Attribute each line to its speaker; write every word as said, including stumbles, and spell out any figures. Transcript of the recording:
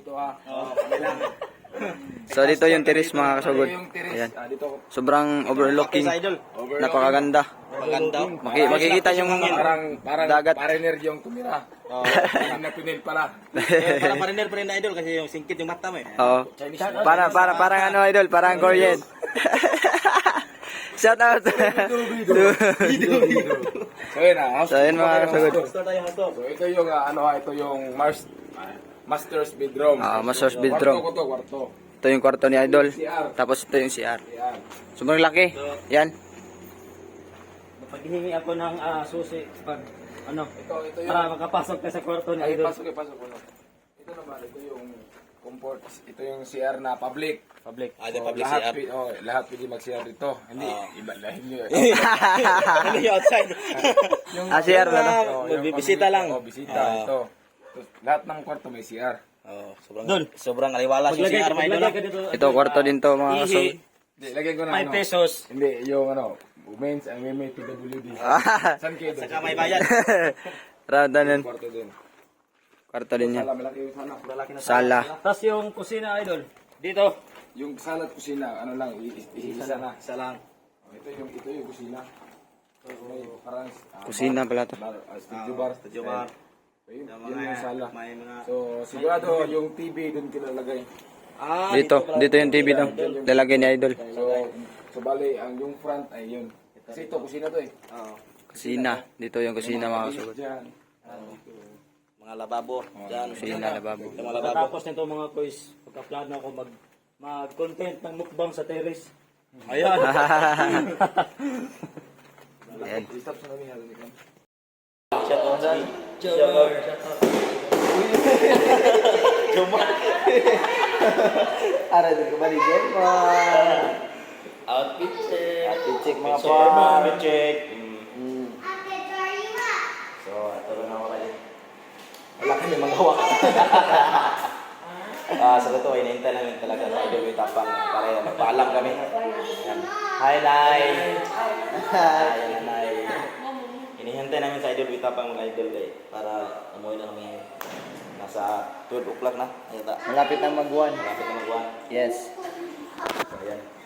Speaker 1: dito ha.
Speaker 2: Oo, kami lang.
Speaker 3: So dito yung terrace mga kasugod.
Speaker 1: Ito yung terrace.
Speaker 3: Ayan.
Speaker 1: Ah, dito.
Speaker 3: Sobrang overlooking.
Speaker 2: Sa idol.
Speaker 3: Napakaganda.
Speaker 2: Maganda.
Speaker 3: Maki makikita yung
Speaker 1: Parang, parang
Speaker 3: dagat.
Speaker 1: pariner yung tumira.
Speaker 2: Oo.
Speaker 1: Yung na tunel pala.
Speaker 2: Eh, Parang pariner pa rin na idol kasi yung singkit yung mata mo eh.
Speaker 3: Oo.
Speaker 1: Chinese.
Speaker 3: Para para parang ano idol, parang Korean. Shout out.
Speaker 1: So yun ah.
Speaker 3: So yun mga kasugod.
Speaker 2: Gusto tayo mo to.
Speaker 1: So ito yung ah, ano ha, ito yung Mars, master's bedroom.
Speaker 3: Ah, master's
Speaker 1: So,
Speaker 3: bedroom.
Speaker 1: Kwarto ko to, kwarto.
Speaker 3: Ito yung kwarto ni idol.
Speaker 1: C R.
Speaker 3: Tapos ito yung C R.
Speaker 1: Yan.
Speaker 3: Sobrang laki. Yan.
Speaker 4: Paghihingi ako ng ah, susi pag ano
Speaker 1: Ito, ito yung...
Speaker 4: para makapasok ka sa kwarto ni
Speaker 1: Ay,
Speaker 4: Idol.
Speaker 1: pasok eh, pasok ko. Ito naman, ito yung comfort. Ito yung C R na public.
Speaker 4: Public.
Speaker 2: Ah, di
Speaker 1: So,
Speaker 2: public
Speaker 1: lahat,
Speaker 2: C R.
Speaker 1: pi- oh, lahat pwede mag-C R dito. Hindi, iba lahin nyo.
Speaker 2: Ano yung outside?
Speaker 1: yung,
Speaker 3: Ah, C R na to.
Speaker 1: oh, yung
Speaker 2: Bisita
Speaker 1: public,
Speaker 2: lang.
Speaker 1: Oh, bisita.
Speaker 2: Ah.
Speaker 1: Ito. Tapos, lahat ng kwarto may C R.
Speaker 2: Oh, sobrang
Speaker 4: Dol.
Speaker 2: sobrang aliwala si C
Speaker 4: Paglagay,
Speaker 2: R mga idol.
Speaker 4: paglagay ka dito.
Speaker 3: Ito kwarto din to mga
Speaker 4: Ihi,
Speaker 3: kasugod.
Speaker 1: Hindi, lagyan ko na
Speaker 4: five
Speaker 1: ano.
Speaker 4: pesos.
Speaker 1: Hindi, yung ano, women's and women P W D. Saan kayo doon?
Speaker 2: Saka may bayad.
Speaker 3: Rada nun.
Speaker 1: Kwarto din.
Speaker 3: Kwarto din yan.
Speaker 1: Sala, malaki yung sala.
Speaker 2: Malaki na
Speaker 3: Sala.
Speaker 4: Tapos yung kusina Idol. Dito.
Speaker 1: Yung sala at kusina, ano lang, i- i- isa na.
Speaker 2: Isa lang.
Speaker 1: Oh, ito yung ito yung kusina. So, may parang ah,
Speaker 3: Kusina pala to.
Speaker 1: bar, ah, studio bar,
Speaker 2: Studio bar.
Speaker 1: Ayun,
Speaker 2: Yung
Speaker 1: yun yung sala.
Speaker 2: May mga
Speaker 1: So, sigurado yung T V doon kinalagay.
Speaker 2: Ah,
Speaker 3: Dito, dito yung T V to. Lalagay ni idol.
Speaker 1: So, so bali, ang yung front ay yun. Kasi ito, kusina to eh.
Speaker 2: Oo.
Speaker 3: Kusina. Dito yung kusina mga kasugod.
Speaker 1: Diyan.
Speaker 2: Mga lababo. Diyan.
Speaker 3: Kusina, lababo.
Speaker 2: Yung mga lababo.
Speaker 4: Tapos nito mga quiz, pagka-plano ako mag mag-content ng mukbang sa terrace.
Speaker 2: Ayan.
Speaker 3: Ayan.
Speaker 1: Stop sa namin natin ikaw.
Speaker 2: Shout out dyan. Jomar.
Speaker 3: Ara din ko ba ni
Speaker 2: Outfit check.
Speaker 3: Outfit check, mga
Speaker 2: So,
Speaker 3: pa.
Speaker 2: outfit check. Mm.
Speaker 3: So, ito na ako kayo.
Speaker 2: Wala kami magawa. Ah, sa totoo, inintay namin talaga sa idol yung tapang para magpaalam kami. Yan. Hi, Nay! Hi, yan, Nay. Inihintay namin sa idol yung tapang mga idol eh, para umuwi na kami. Nasa twelve o'clock na. Ayun ta.
Speaker 3: Malapit na mag-one.
Speaker 2: Malapit na mag-one.
Speaker 3: Yes.
Speaker 2: So, yan.